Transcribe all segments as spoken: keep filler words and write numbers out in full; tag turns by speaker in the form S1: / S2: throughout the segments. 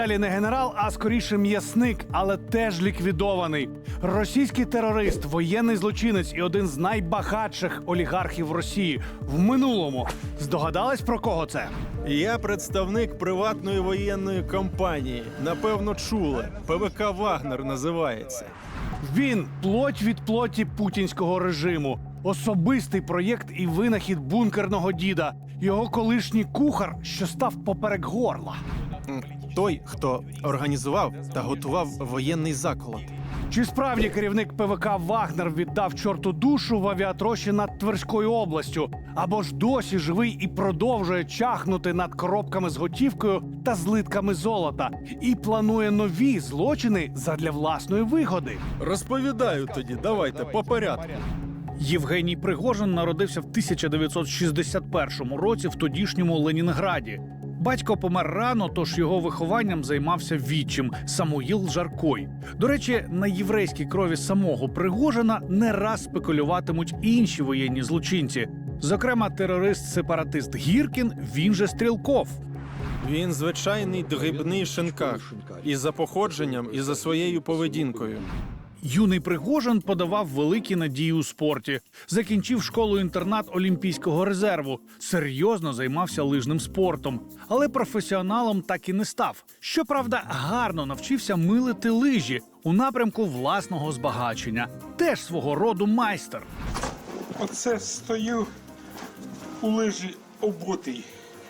S1: Далі не генерал, а скоріше м'ясник, але теж ліквідований. Російський терорист, воєнний злочинець і один з найбагатших олігархів Росії. В минулому. Здогадались, про кого це?
S2: Я представник приватної воєнної компанії. Напевно, чули. ПВК «Вагнер» називається.
S1: Він – плоть від плоті путінського режиму. Особистий проєкт і винахід бункерного діда. Його колишній кухар, що став поперек горла.
S2: Той, хто організував та готував воєнний заколот.
S1: Чи справді керівник ПВК «Вагнер» віддав чорту душу в авіатрощі над Тверською областю? Або ж досі живий і продовжує чахнути над коробками з готівкою та злитками золота? І планує нові злочини задля власної вигоди?
S2: Розповідаю тоді, давайте, по порядку.
S3: Євгеній Пригожин народився в тисяча дев'ятсот шістдесят першому році в тодішньому Ленінграді. Батько помер рано, тож його вихованням займався відчим – Самуїл Жаркой. До речі, на єврейській крові самого Пригожина не раз спекулюватимуть інші воєнні злочинці. Зокрема, терорист-сепаратист Гіркін, він же Стрілков.
S2: Він звичайний дрібний шинкар. І за походженням, і за своєю поведінкою.
S3: Юний Пригожин подавав великі надії у спорті. Закінчив школу-інтернат Олімпійського резерву. Серйозно займався лижним спортом. Але професіоналом так і не став. Щоправда, гарно навчився милити лижі у напрямку власного збагачення. Теж свого роду майстер.
S4: Оце стою у лижі обутий.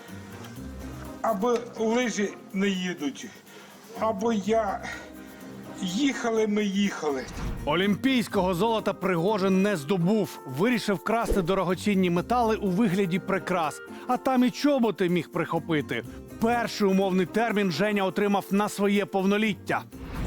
S4: Або лижі не їдуть, або я... Їхали ми, їхали.
S1: Олімпійського золота Пригожин не здобув. Вирішив красти дорогоцінні метали у вигляді прикрас. А там і чоботи міг прихопити. Перший умовний термін Женя отримав на своє повноліття.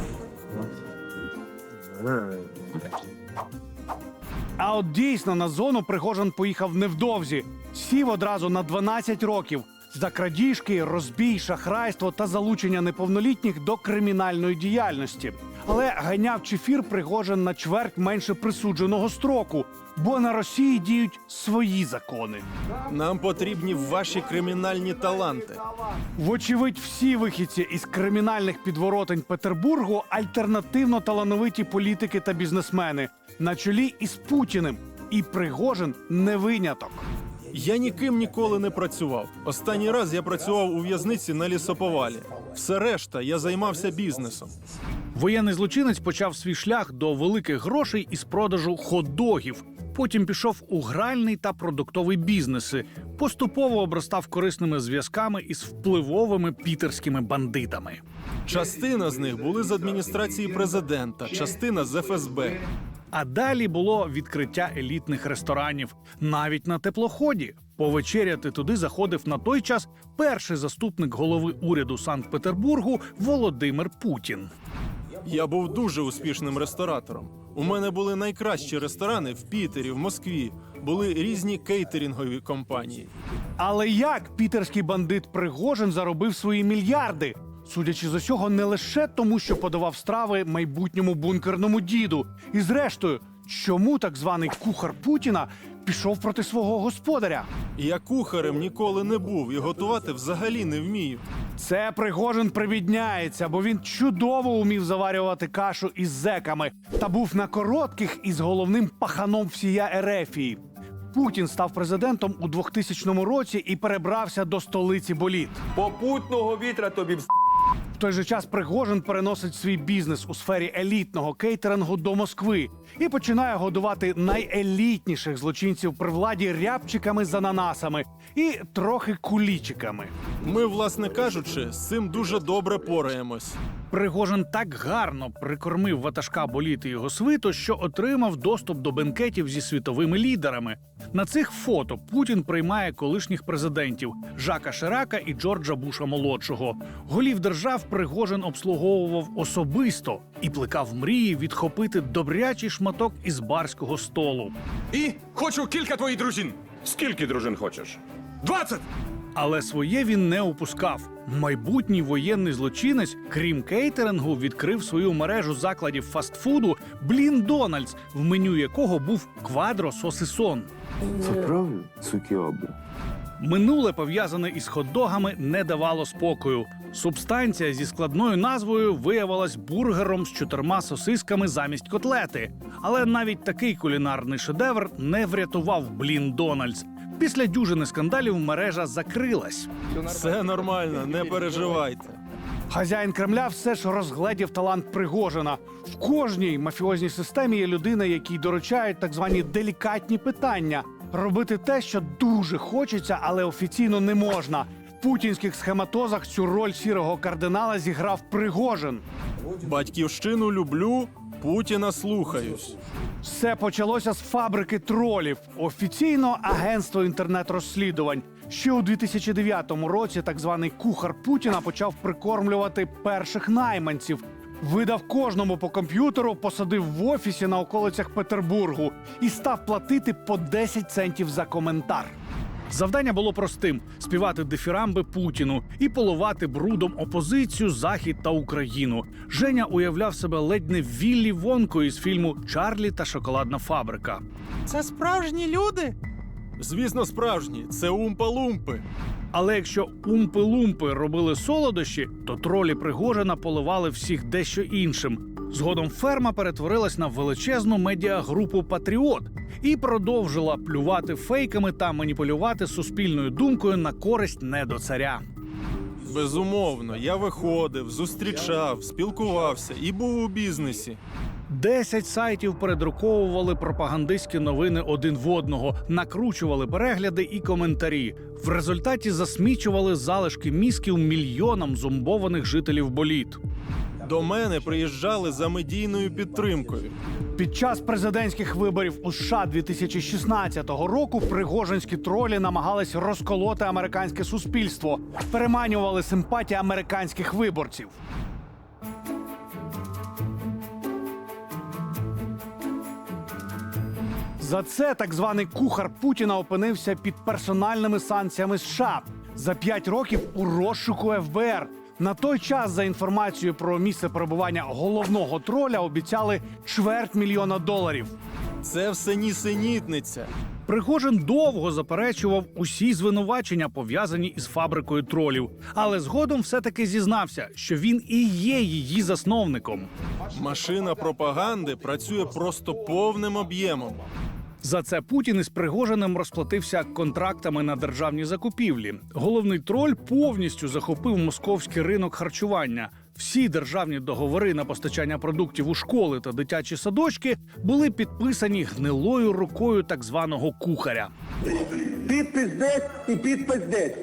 S1: А от дійсно на зону Пригожин поїхав невдовзі. Сів одразу на дванадцять років. За крадіжки, розбій, шахрайство та залучення неповнолітніх до кримінальної діяльності. Але ганяв чефір Пригожин на чверть менше присудженого строку, бо на Росії діють свої закони.
S2: Нам потрібні ваші кримінальні таланти.
S1: Вочевидь, всі вихідці із кримінальних підворотень Петербургу альтернативно талановиті політики та бізнесмени. На чолі із Путіним. І Пригожин не виняток.
S2: Я ніким ніколи не працював. Останній раз я працював у в'язниці на лісоповалі. Все решта я займався бізнесом.
S3: Воєнний злочинець почав свій шлях до великих грошей із продажу хот-догів. Потім пішов у гральний та продуктовий бізнеси. Поступово обростав корисними зв'язками із впливовими пітерськими бандитами.
S2: Частина з них були з адміністрації президента, частина з еф ес бе.
S3: А далі було відкриття елітних ресторанів. Навіть на теплоході. Повечеряти туди заходив на той час перший заступник голови уряду Санкт-Петербургу Володимир Путін.
S2: Я був дуже успішним ресторатором. У мене були найкращі ресторани в Пітері, в Москві. Були різні кейтерінгові компанії.
S1: Але як пітерський бандит Пригожин заробив свої мільярди? Судячи з усього, не лише тому, що подавав страви майбутньому бункерному діду. І зрештою, чому так званий кухар Путіна пішов проти свого господаря?
S2: Я кухарем ніколи не був і готувати взагалі не вмію.
S1: Це Пригожин привідняється, бо він чудово умів заварювати кашу із зеками та був на коротких із головним паханом всія Ерефії. Путін став президентом у двохтисячному році і перебрався до столиці боліт.
S5: Попутного вітра тобі в
S1: В той же час Пригожин переносить свій бізнес у сфері елітного кейтерингу до Москви і починає годувати найелітніших злочинців при владі рябчиками з ананасами і трохи кулічиками.
S2: Ми, власне кажучи, з цим дуже добре пораємось.
S3: Пригожин так гарно прикормив ватажка боліти його свиту, що отримав доступ до бенкетів зі світовими лідерами. На цих фото Путін приймає колишніх президентів Жака Ширака і Джорджа Буша-молодшого. Голів держав Пригожин обслуговував особисто і плекав мрії відхопити добрячий шматок із барського столу.
S5: І хочу кілька твоїх дружин.
S6: Скільки дружин хочеш?
S5: Двадцять!
S3: Але своє він не упускав. Майбутній воєнний злочинець, крім кейтерингу, відкрив свою мережу закладів фастфуду «Блін Дональдс», в меню якого був квадро-сосисон.
S7: Це правда, суки обри?
S3: Минуле, пов'язане із хот-догами, не давало спокою. Субстанція зі складною назвою виявилась бургером з чотирма сосисками замість котлети. Але навіть такий кулінарний шедевр не врятував блін Дональдс. Після дюжини скандалів мережа закрилась.
S2: Все нормально, не переживайте.
S1: Хазяїн Кремля все ж розгледів талант Пригожина. В кожній мафіозній системі є людина, якій доручають так звані делікатні питання. Робити те, що дуже хочеться, але офіційно не можна. В путінських схематозах цю роль сірого кардинала зіграв Пригожин.
S2: Батьківщину люблю, Путіна слухаюсь.
S1: Все почалося з фабрики тролів. Офіційно агентство інтернет-розслідувань. Ще у дві тисячі дев'ятому році так званий кухар Путіна почав прикормлювати перших найманців. Видав кожному по комп'ютеру, посадив в офісі на околицях Петербургу і став платити по десять центів за коментар.
S3: Завдання було простим – співати дифірамби Путіну і поливати брудом опозицію, Захід та Україну. Женя уявляв себе ледь не Віллі Вонкою із фільму «Чарлі та шоколадна фабрика».
S2: Це справжні люди? Звісно, справжні. Це умпа-лумпи.
S3: Але якщо умпи-лумпи робили солодощі, то тролі Пригожина поливали всіх дещо іншим. Згодом ферма перетворилась на величезну медіагрупу «Патріот» і продовжила плювати фейками та маніпулювати суспільною думкою на користь недоцаря.
S2: Безумовно, я виходив, зустрічав, спілкувався і був у бізнесі.
S3: Десять сайтів передруковували пропагандистські новини один в одного, накручували перегляди і коментарі. В результаті засмічували залишки мізків мільйонам зомбованих жителів боліт.
S2: До мене приїжджали за медійною підтримкою.
S1: Під час президентських виборів у США дві тисячі шістнадцятого року пригожинські тролі намагались розколоти американське суспільство, переманювали симпатії американських виборців. За це так званий кухар Путіна опинився під персональними санкціями США. За п'ять років у розшуку еф бе ер. На той час, за інформацією про місце перебування головного троля, обіцяли чверть мільйона доларів.
S2: Це все нісенітниця.
S3: Пригожин довго заперечував усі звинувачення, пов'язані із фабрикою тролів. Але згодом все-таки зізнався, що він і є її засновником.
S2: Машина пропаганди працює просто повним об'ємом.
S3: За це Путін із Пригожиним розплатився контрактами на державні закупівлі. Головний троль повністю захопив московський ринок харчування. Всі державні договори на постачання продуктів у школи та дитячі садочки були підписані гнилою рукою так званого кухаря.
S7: Підпис десь і підпис десь.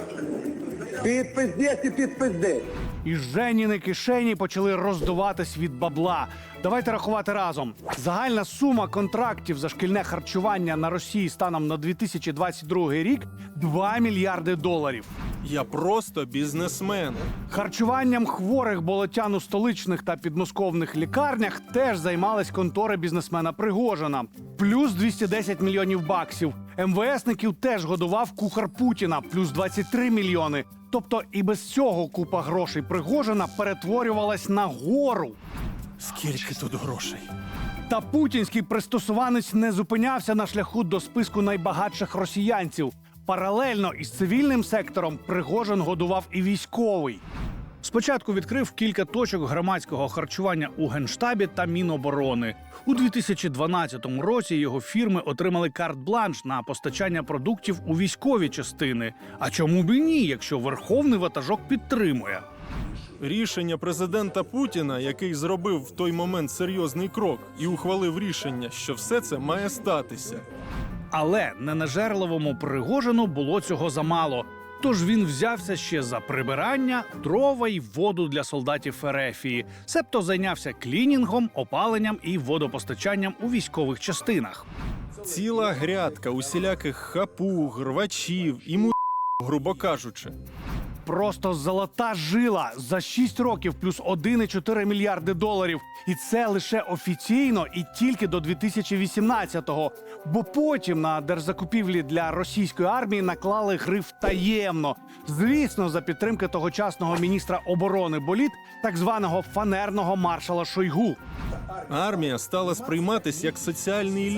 S7: Підпис десь і підпис десь.
S1: І Женіни кишені почали роздуватись від бабла. Давайте рахувати разом. Загальна сума контрактів за шкільне харчування на Росії станом на дві тисячі двадцять другий рік – два мільярди доларів.
S2: Я просто бізнесмен.
S1: Харчуванням хворих болотян у столичних та підмосковних лікарнях теж займались контори бізнесмена Пригожина. Плюс двісті десять мільйонів баксів. ем ве есників теж годував кухар Путіна. Плюс двадцять три мільйони. Тобто і без цього купа грошей Пригожина перетворювалась на гору.
S2: Скільки тут грошей?
S1: Та путінський пристосуванець не зупинявся на шляху до списку найбагатших росіянців. Паралельно із цивільним сектором Пригожин годував і військовий.
S3: Спочатку відкрив кілька точок громадського харчування у Генштабі та Міноборони. У дві тисячі дванадцятому році його фірми отримали карт-бланш на постачання продуктів у військові частини. А чому б і ні, якщо верховний ватажок підтримує?
S2: Рішення президента Путіна, який зробив в той момент серйозний крок і ухвалив рішення, що все це має статися.
S3: Але ненажерливому Пригожину було цього замало. Тож він взявся ще за прибирання, дрова й воду для солдатів Ерефії. Себто зайнявся клінінгом, опаленням і водопостачанням у військових частинах.
S2: Ціла грядка усіляких хапуг, рвачів і му... грубо кажучи.
S1: Просто золота жила за шість років плюс один цілих чотири мільярди доларів. І це лише офіційно і тільки до дві тисячі вісімнадцятого. Бо потім на держзакупівлі для російської армії наклали гриф «таємно». Звісно, за підтримки тогочасного міністра оборони боліт, так званого фанерного маршала Шойгу.
S2: Армія стала сприйматись як соціальний ліфт.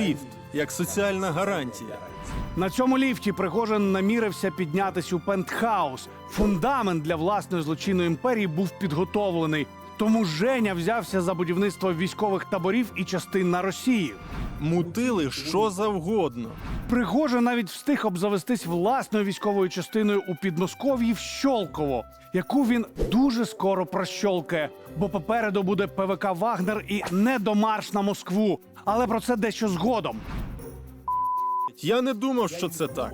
S2: як соціальна гарантія.
S1: На цьому ліфті Пригожин намірився піднятись у пентхаус. Фундамент для власної злочинної імперії був підготовлений. Тому Женя взявся за будівництво військових таборів і частин на Росії.
S2: Мутили що завгодно.
S1: Пригожин навіть встиг обзавестись власною військовою частиною у Підмосков'ї в Щолково, яку він дуже скоро прощолкає, бо попереду буде ПВК «Вагнер» і недомарш на Москву. Але про це дещо згодом.
S2: Я не думав, що це так.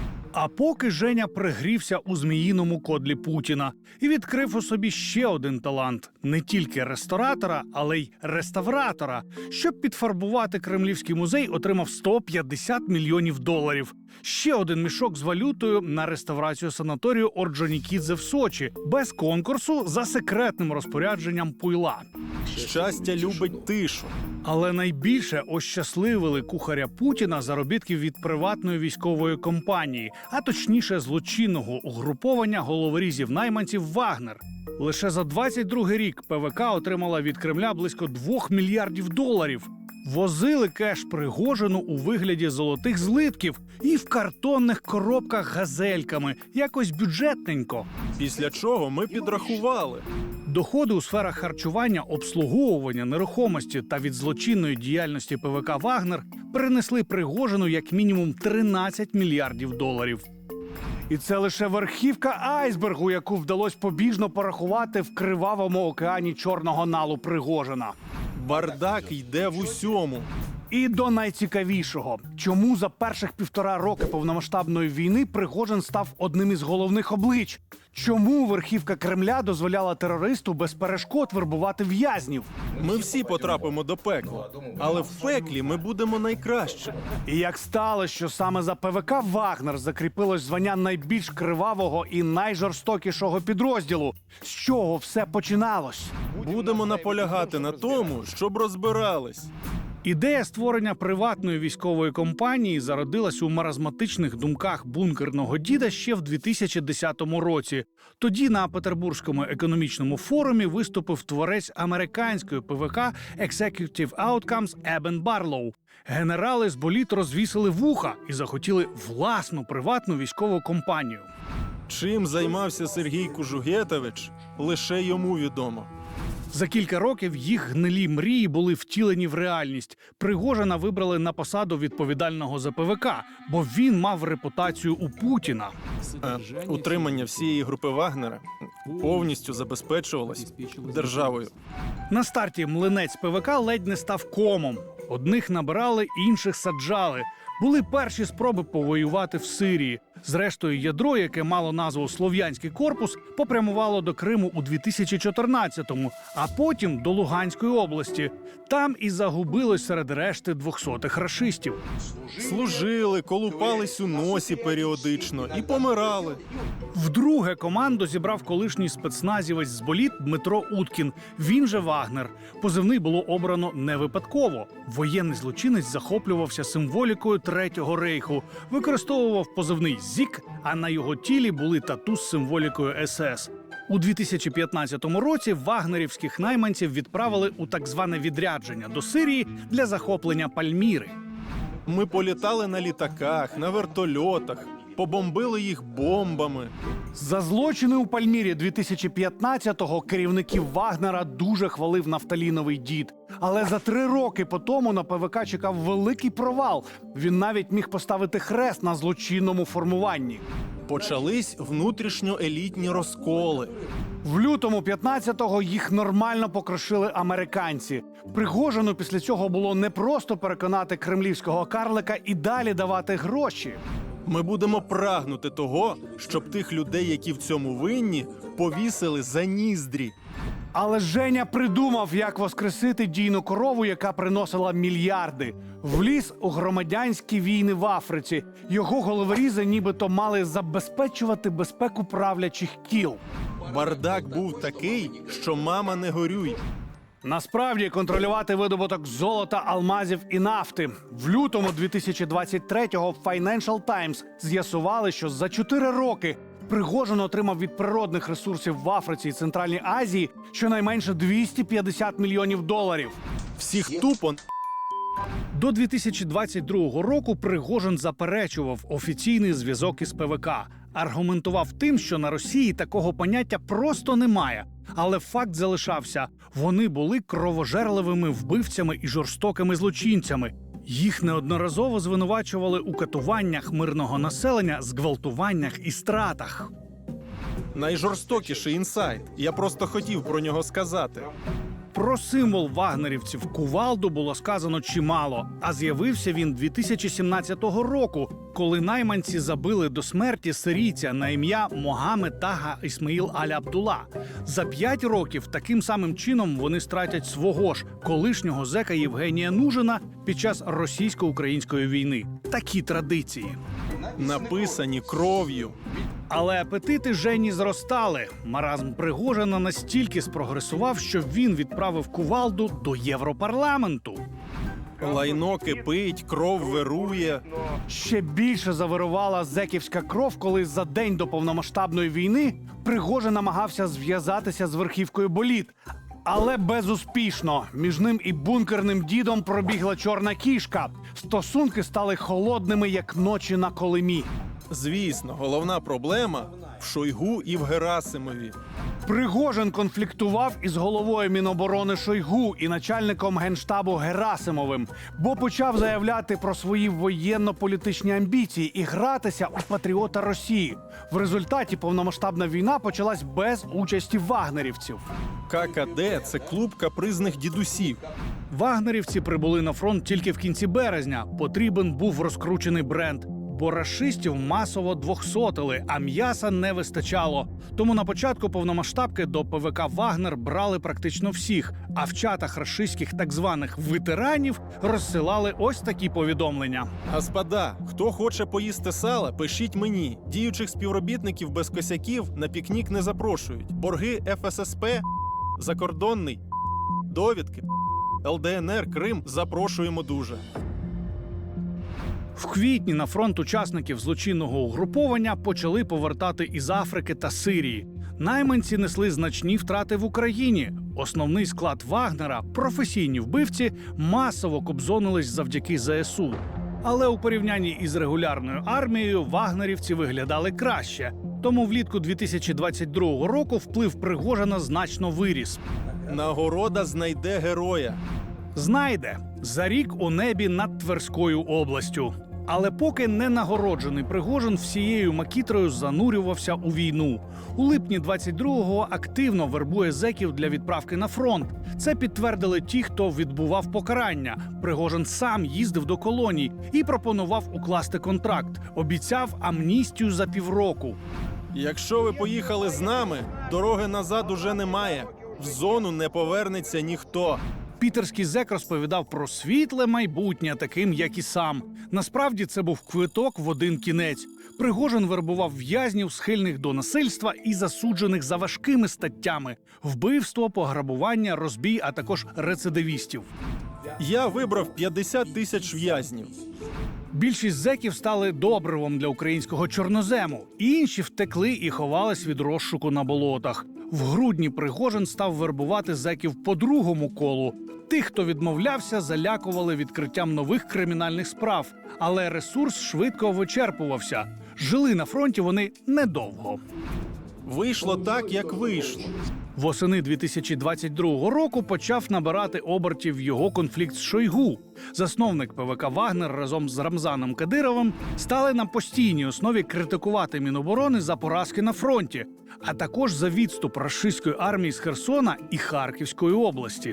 S3: А поки Женя пригрівся у зміїному кодлі Путіна і відкрив у собі ще один талант – не тільки ресторатора, але й реставратора. Щоб підфарбувати Кремлівський музей, отримав сто п'ятдесят мільйонів доларів. Ще один мішок з валютою на реставрацію санаторію Орджонікідзе в Сочі. Без конкурсу, за секретним розпорядженням Пуйла.
S2: Щастя любить тишу.
S3: Але найбільше ощасливили кухаря Путіна заробітків від приватної військової компанії, а точніше злочинного угруповання головорізів-найманців «Вагнер». Лише за двадцять другий рік ПВК отримала від Кремля близько двох мільярдів доларів. Возили кеш Пригожину у вигляді золотих злитків і в картонних коробках газельками, якось бюджетненько.
S2: Після чого ми підрахували.
S3: Доходи у сферах харчування, обслуговування, нерухомості та від злочинної діяльності ПВК «Вагнер» принесли Пригожину як мінімум тринадцять мільярдів доларів.
S1: І це лише верхівка айсбергу, яку вдалося побіжно порахувати в кривавому океані чорного налу Пригожина.
S2: Бардак йде в усьому.
S1: І до найцікавішого. Чому за перших півтора роки повномасштабної війни Пригожин став одним із головних облич? Чому верхівка Кремля дозволяла терористу без перешкод вербувати в'язнів?
S2: Ми всі потрапимо до пекла, але в пеклі ми будемо найкраще.
S1: І як сталося, що саме за ПВК «Вагнер» закріпилось звання найбільш кривавого і найжорстокішого підрозділу? З чого все починалось?
S2: Будемо наполягати на тому, щоб розбирались.
S3: Ідея створення приватної військової компанії зародилась у маразматичних думках бункерного діда ще в дві тисячі десятому році. Тоді на Петербурзькому економічному форумі виступив творець американської ПВК Executive Outcomes Ебен Барлоу. Генерали з боліт розвісили вуха і захотіли власну приватну військову компанію.
S2: Чим займався Сергій Кужугетович, лише йому відомо.
S3: За кілька років їх гнилі мрії були втілені в реальність. Пригожина вибрали на посаду відповідального за ПВК, бо він мав репутацію у Путіна.
S2: Е, утримання всієї групи Вагнера повністю забезпечувалось державою.
S3: На старті млинець ПВК ледь не став комом. Одних набирали, інших саджали. Були перші спроби повоювати в Сирії. Зрештою, ядро, яке мало назву «Слов'янський корпус», попрямувало до Криму у дві тисячі чотирнадцятому, а потім до Луганської області. Там і загубилось серед решти двохсотих рашистів.
S2: Служили, колупались у носі періодично і помирали.
S3: Вдруге команду зібрав колишній спецназівець з боліт Дмитро Уткін. Він же Вагнер. Позивний було обрано не випадково. Воєнний злочинець захоплювався символікою Третього рейху, використовував позивний «Зік», а на його тілі були тату з символікою ес ес. У дві тисячі п'ятнадцятому році вагнерівських найманців відправили у так зване відрядження до Сирії для захоплення Пальміри.
S2: Ми політали на літаках, на вертольотах, побомбили їх бомбами.
S1: За злочини у Пальмірі дві тисячі п'ятнадцятого керівників Вагнера дуже хвалив нафталіновий дід. Але за три роки по тому на ПВК чекав великий провал. Він навіть міг поставити хрест на злочинному формуванні.
S2: Почались внутрішньоелітні розколи.
S1: В лютому п'ятнадцятого їх нормально покрошили американці. Пригожину після цього було не просто переконати кремлівського карлика і далі давати гроші.
S2: Ми будемо прагнути того, щоб тих людей, які в цьому винні, повісили за ніздрі.
S1: Але Женя придумав, як воскресити дійну корову, яка приносила мільярди. Вліз у громадянські війни в Африці. Його головорізи нібито мали забезпечувати безпеку правлячих кіл.
S2: Бардак був такий, що мама не горюй.
S1: Насправді контролювати видобуток золота, алмазів і нафти. В лютому дві тисячі двадцять третього в Financial Times з'ясували, що за чотири роки Пригожин отримав від природних ресурсів в Африці і Центральній Азії щонайменше двісті п'ятдесят мільйонів доларів.
S2: Всіх тупо
S3: До дві тисячі двадцять другого року Пригожин заперечував офіційний зв'язок із ПВК. Аргументував тим, що на Росії такого поняття просто немає. Але факт залишався – вони були кровожерливими вбивцями і жорстокими злочинцями. Їх неодноразово звинувачували у катуваннях мирного населення, зґвалтуваннях і стратах.
S2: Найжорстокіший інсайт. Я просто хотів про нього сказати.
S3: Про символ вагнерівців кувалду було сказано чимало, а з'явився він дві тисячі сімнадцятого року, коли найманці забили до смерті сирійця на ім'я Могамед Тага Ісмаїл Аль-Абдулла. За п'ять років таким самим чином вони стратять свого ж колишнього зека Євгенія Нужина під час російсько-української війни. Такі традиції.
S2: Написані кров'ю.
S3: Але апетити Жені зростали. Маразм Пригожина настільки спрогресував, що він відправив кувалду до Європарламенту.
S2: Лайно кипить, кров вирує.
S1: Ще більше завирувала зеківська кров, коли за день до повномасштабної війни Пригожин намагався зв'язатися з верхівкою боліт. Але безуспішно. Між ним і бункерним дідом пробігла чорна кішка. Стосунки стали холодними, як ночі на Колимі.
S2: Звісно, головна проблема в Шойгу і в Герасимові.
S1: Пригожин конфліктував із головою Міноборони Шойгу і начальником Генштабу Герасимовим, бо почав заявляти про свої воєнно-політичні амбіції і гратися у патріота Росії. В результаті повномасштабна війна почалась без участі вагнерівців.
S2: ККД – це клуб капризних дідусів.
S3: Вагнерівці прибули на фронт тільки в кінці березня. Потрібен був розкручений бренд. Бо рашистів масово двохсотили, а м'яса не вистачало. Тому на початку повномасштабки до ПВК «Вагнер» брали практично всіх, а в чатах рашистських так званих ветеранів розсилали ось такі повідомлення.
S2: Господа, хто хоче поїсти сала, пишіть мені. Діючих співробітників без косяків на пікнік не запрошують. Борги еф ес ес пе, закордонний, довідки, ел де ен ер, Крим запрошуємо дуже.
S3: В квітні на фронт учасників злочинного угруповання почали повертати із Африки та Сирії. Найманці несли значні втрати в Україні. Основний склад Вагнера, професійні вбивці, масово кобзонились завдяки зе ес у. Але у порівнянні із регулярною армією вагнерівці виглядали краще. Тому влітку дві тисячі двадцять другого року вплив Пригожина значно виріс.
S2: Нагорода знайде героя.
S3: Знайде за рік у небі над Тверською областю. Але поки не нагороджений Пригожин всією макітрою занурювався у війну. У липні двадцять другого активно вербує зеків для відправки на фронт. Це підтвердили ті, хто відбував покарання. Пригожин сам їздив до колоній і пропонував укласти контракт. Обіцяв амністію за півроку.
S2: Якщо ви поїхали з нами, дороги назад уже немає. В зону не повернеться ніхто.
S3: Пітерський зек розповідав про світле майбутнє, таким, як і сам. Насправді це був квиток в один кінець. Пригожин вербував в'язнів, схильних до насильства і засуджених за важкими статтями – вбивство, пограбування, розбій, а також рецидивістів.
S2: Я вибрав п'ятдесят тисяч в'язнів.
S3: Більшість зеків стали добривом для українського чорнозему. Інші втекли і ховались від розшуку на болотах. В грудні Пригожин став вербувати зеків по другому колу. Тих, хто відмовлявся, залякували відкриттям нових кримінальних справ. Але ресурс швидко вичерпувався. Жили на фронті вони недовго.
S2: Вийшло так, як вийшло.
S3: Восени дві тисячі двадцять другого року почав набирати обертів його конфлікт з Шойгу. Засновник ПВК «Вагнер» разом з Рамзаном Кадировим стали на постійній основі критикувати Міноборони за поразки на фронті, а також за відступ рашистської армії з Херсона і Харківської області.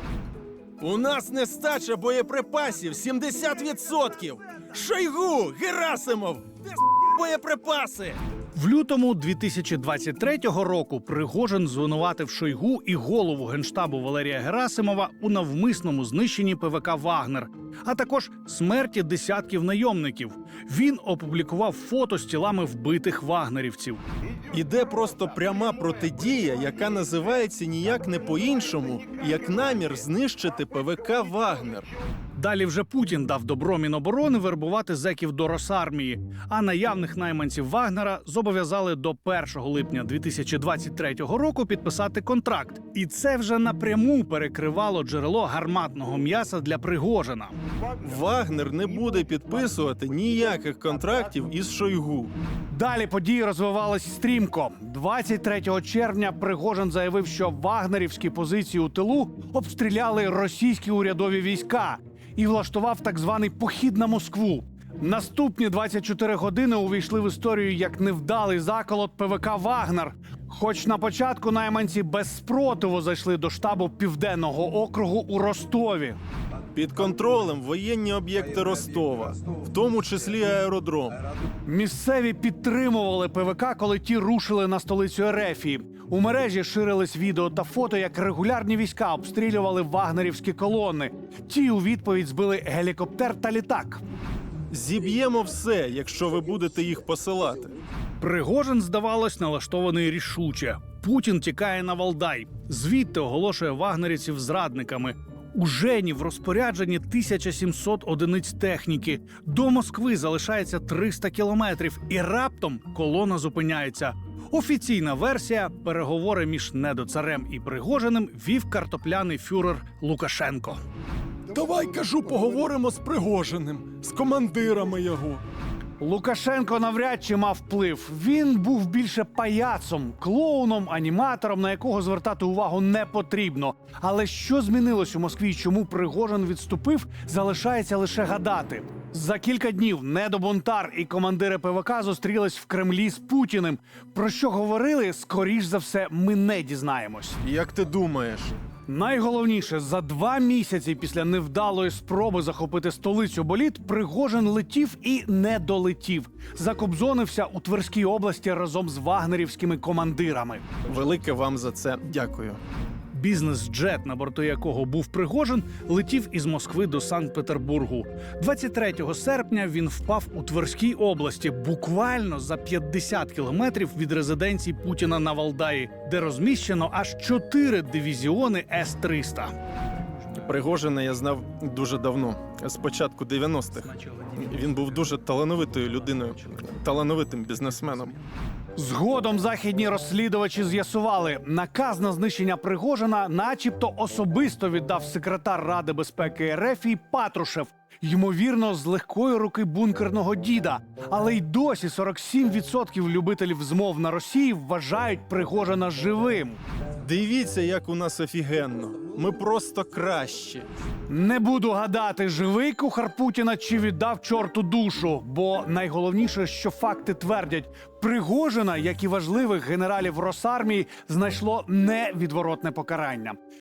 S2: У нас нестача боєприпасів сімдесят відсотків. Шойгу, Герасимов, де с*** боєприпаси?
S3: В лютому дві тисячі двадцять третього року Пригожин звинуватив Шойгу і голову Генштабу Валерія Герасимова у навмисному знищенні ПВК «Вагнер», а також смерті десятків найомників. Він опублікував фото з тілами вбитих вагнерівців.
S2: Іде просто пряма протидія, яка називається ніяк не по-іншому, як намір знищити ПВК «Вагнер».
S3: Далі вже Путін дав добро Міноборони вербувати зеків до Росармії, а наявних найманців Вагнера зобов'язали до першого липня дві тисячі двадцять третього року підписати контракт. І це вже напряму перекривало джерело гарматного м'яса для Пригожина.
S2: Вагнер не буде підписувати ніяких контрактів із Шойгу.
S1: Далі події розвивались стрімко. двадцять третього червня Пригожин заявив, що вагнерівські позиції у тилу обстріляли російські урядові війська і влаштував так званий похід на Москву. Наступні двадцять чотири години увійшли в історію як невдалий заколот ПВК «Вагнер». Хоч на початку найманці без спротиву зайшли до штабу Південного округу у Ростові.
S2: Під контролем воєнні об'єкти Ростова, в тому числі аеродром.
S1: Місцеві підтримували ПВК, коли ті рушили на столицю Ерефії. У мережі ширились відео та фото, як регулярні війська обстрілювали вагнерівські колони. Ті у відповідь збили гелікоптер та літак.
S2: Зіб'ємо все, якщо ви будете їх посилати.
S3: Пригожин, здавалось, налаштований рішуче. Путін тікає на Валдай. Звідти оголошує вагнерівців зрадниками. У Жені в розпорядженні тисяча сімсот одиниць техніки. До Москви залишається триста кілометрів. І раптом колона зупиняється. Офіційна версія – переговори між недоцарем і Пригожиним вів картопляний фюрер Лукашенко.
S2: Давай, кажу, поговоримо з Пригожиним, з командирами його.
S1: Лукашенко навряд чи мав вплив. Він був більше паяцом, клоуном, аніматором, на якого звертати увагу не потрібно. Але що змінилось у Москві і чому Пригожин відступив, залишається лише гадати. За кілька днів недобунтар і командири ПВК зустрілись в Кремлі з Путіним. Про що говорили, скоріш за все, ми не дізнаємось.
S2: Як ти думаєш?
S1: Найголовніше, за два місяці після невдалої спроби захопити столицю боліт, Пригожин летів і не долетів. Закобзонився у Тверській області разом з вагнерівськими командирами.
S2: Велике вам за це дякую.
S3: Бізнес-джет, на борту якого був Пригожин, летів із Москви до Санкт-Петербургу. двадцять третього серпня він впав у Тверській області, буквально за п'ятдесят кілометрів від резиденції Путіна на Валдаї, де розміщено аж чотири дивізіони С триста.
S2: Пригожина я знав дуже давно, з початку дев'яностих. Він був дуже талановитою людиною, талановитим бізнесменом.
S1: Згодом західні розслідувачі з'ясували, наказ на знищення Пригожина начебто особисто віддав секретар Ради безпеки РФ Патрушев, ймовірно, з легкої руки бункерного діда. Але й досі сорок сім відсотків любителів змов на Росії вважають Пригожина живим.
S2: Дивіться, як у нас офігенно. Ми просто кращі.
S1: Не буду гадати, живий кухар Путіна чи віддав чорту душу, бо найголовніше, що факти твердять, Пригожина, як і важливих генералів Росармії, знайшло невідворотне покарання.